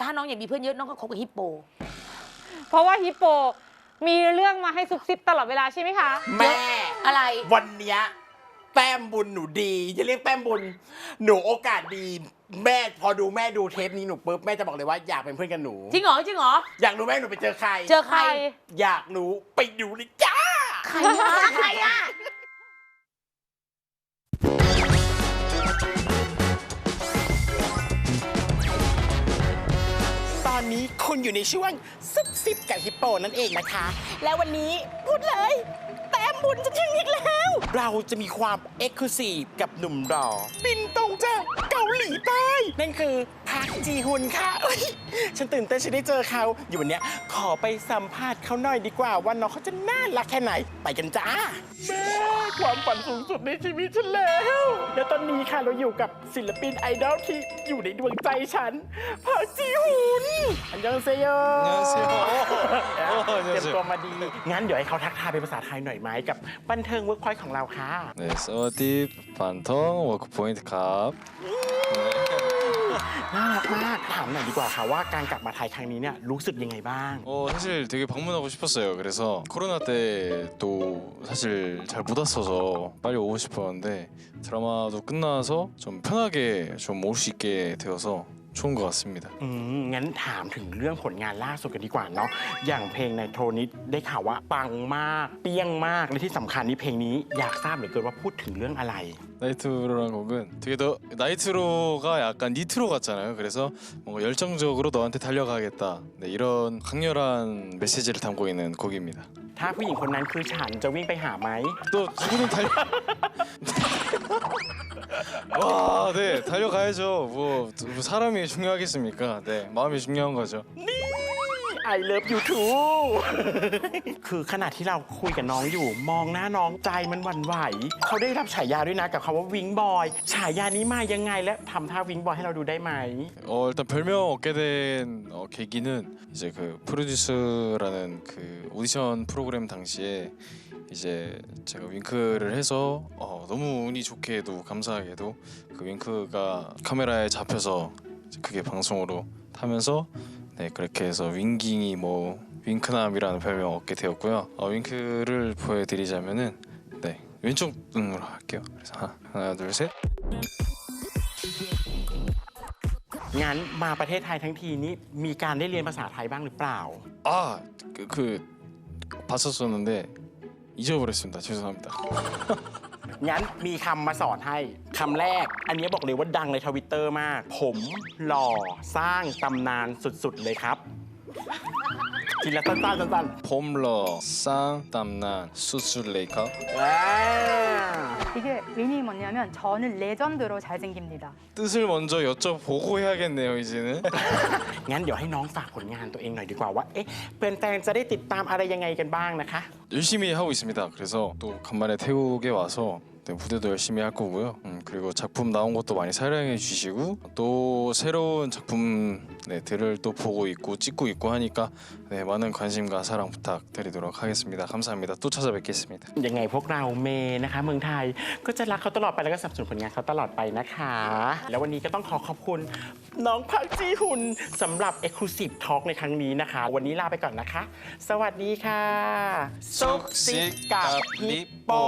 ถ้าน้องอยากมีเพื่อนเยอะน้องก็คบกับฮิปโปเพราะว่าฮิปโปมีเรื่องมาให้ซุบซิบตลอดเวลาใช่ไหมคะแม่อะไรวันเนี้ยแต้มบุญหนูดีจะเรียกแต้มบุญหนูโอกาสดีแม่พอดูแม่ดูเทปนี้หนูปุ๊บแม่จะบอกเลยว่าอยากเป็นเพื่อนกับหนูจริงเหรอจริงเหรออยากรู้แม่หนูไปเจอใครอยากรู้ไปดูเลยจ้าใครอะตอนนี้คุณอยู่ในช่วงซุบซิบกับฮิปโปนั่นเองนะคะแล้ววันนี้พูดเลยแต้มบุญจะถึงอีกแล้วเราจะมีความเอ็กซ์คลูซีฟกับหนุ่มหล่อบินตรงจากเกาหลีใต้นั่นคือพักจีฮุนค่ะฉันตื่นเต้นฉันได้เจอเขาอยู่วันนี้ขอไปสัมภาษณ์เขาหน่อยดีกว่าว่าน้องเขาจะน่ารักแค่ไหนไปกันจ้าแม่ความฝันสูงสุดในชีวิตฉันแล้วและตอนนี้ค่ะเราอยู่กับศิลปินไอดอลที่อยู่ในดวงใจฉันพักจีฮุนอันยองเซโยเตรียมตัวมาดีงั้นเดี๋ยวให้เขาทักทายเป็นภาษาไทยหน่อยไหมกับบันเทิงเวิร์กพอยต์ของเราค่ะ 네สวัสดีบันเทิงเวิร์กพอยต์ครับน่ารักมากถามหน่อยดีกว่าค่ะว่าการกลับมาไทยครั้งนี้เนี่ยรู้สึกยังไงบ้าง 사실 되게 방문하고 싶었어요. 그래서 코로나 때도 사실 잘 못 왔어서 빨리 오고 싶었는데 드라마도 끝나서 좀 편하게 좀 올 수 있게 되어서 좋은 것 같습니다. งั้นถามถึงเรื่องผลงานล่าสุดกันดีกว่าเนาะอย่างเพลงในโทรนี้ได้ข่าวว่าปังมากเปี้ยงมากและที่สำคัญนี่เพลงนี้อยากทราบเหลือเกินว่าพูดถึงเรื่องอะไร 나이트로라는 곡은 되게 더 나이트로가 약간 니트로 같잖아요. 그래서 뭔가 열정적으로 너한테 달려가겠다. 네, 이런 강렬한 메시지를 담고 있는 곡입니다. ถ้าผู้หญิงคนนั้นคือฉันจะวิ่งไปหาไหม 또 누구는 달려 와, 네, 달려가야죠. 뭐 사람이 중요하겠습니까? 네, 마음이 중요한 거죠. I love you too คือขณะที่เราคุยกับน้องอยู่มองหน้าน้องใจมันหวั่นไหวเขาได้รับฉายาด้วยนะกับคำว่าวิงบอยฉายานี้มายังไงและทำท่าวิงบอยให้เราดูได้ไหม 일단 별명 얻게 된 계기는 이제 그 프로듀스라는 그 오디션 프로그램 당시에 이제 제가 윙크를 해서 너무 운이 좋게도 감사하게도 그 윙크가 카메라에 잡혀서 그게 방송으로 타면서 네 그렇게 해서 윙깅이 뭐 윙크남이라는 별명 얻게 되었고요. 윙크를 보여드리자면은 네 왼쪽 눈으로 할게요. 그래서 하나 둘 셋. งั้นมาประเทศไทยทั้งทีนี้มีการได้เรียนภาษาไทยบ้างหรือเปล่า 그 봤었었는데 잊어버렸습니다. 죄송합니다. งั้นมีคำมาสอนให้คำแรกอันนี้บอกเลยว่าดังในทวิตเตอร์มากผมหล่อสร้างตำนานสุดๆเลยครับทีละสั้นๆ 폼러 쌍땀난 수술레이커 이게 의미 뭐냐면 저는 레전드로 잘생깁니다. 뜻을 먼저 여쭤보고 해야겠네요 이제는 งั้นเดี๋ยวให้น้องฝากผลงานตัวเองหน่อยดีกว่าว่าเอ๊ะแฟนๆจะได้ติดตามอะไรยังไงกันบ้างนะคะ 열심히 하고 있습니다. 그래서 또 간만에 태국에 와서 네, 무대도 열심히 할 거고요. 그리고 작품 나온 것도 많이 사랑해 주시고 또 새로운 작품들을 또 보고 있고 찍고 있고 하니까 네, 많은 관심과 사랑 부탁드리도록 하겠습니다. 감사합니다. 또 찾아뵙겠습니다. ยังไงพวกเราเมย์นะคะเมืองไทยก็จะรักเขาตลอดไปแล้วก็สนับสนุนผลงานเขาตลอดไปนะคะแล้ววันนี้ก็ต้องขอบคุณน้องพักจีฮุนสำหรับ Exclusive Talk ในครั้งนี้นะคะวันนี้ลาไปก่อนนะคะสวัสดีค่ะซุกซิกกับฮิปโป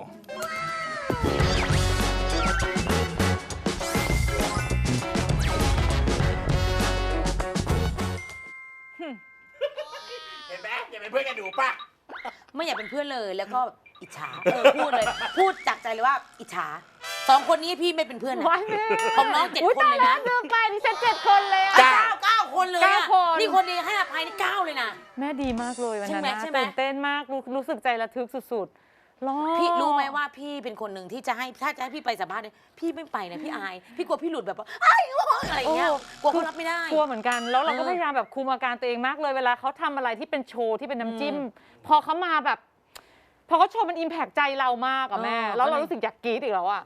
เห็นไหมอย่าเป็นเพื่อนกันหนูป่ะไม่อยากเป็นเพื่อนเลยแล้วก็อิจฉาพูดเลยพูดจากใจเลยว่าอิจฉาสองคนนี้พี่ไม่เป็นเพื่อนนะว้ายแม่ของน้อง7 คนเลยนะเดิมไปนี่ฉัน7 คนเลยอะเก้าคนเลยอะ 9 คนนี่คนนี้ให้อภัยนี่9เลยนะแม่ดีมากเลยวันนั้นนะใช่ไหมตื่นเต้นมากรู้สึกใจระทึกสุดๆรอพี่รู้ไหมว่าพี่เป็นคนหนึ่งที่จะให้ถ้าจะให้พี่ไปสัมภาษณ์เนี่ยพี่ไม่ไปนะพี่อายพี่กลัวพี่หลุดแบบว่าไอ้อะไรอย่างเงี้ยกลัวเขารับไม่ได้กลัวเหมือนกันแล้วเราก็พยายามแบบคุมอาการตัวเองมากเลยเวลาเขาทำอะไรที่เป็นโชว์ที่เป็นน้ำจิ้มพอเขามาแบบพอเขาโชว์มันอิมแพกใจเรามากอะแม่แล้วเรารู้สึกอยากกรี๊ดอีกแล้วอะ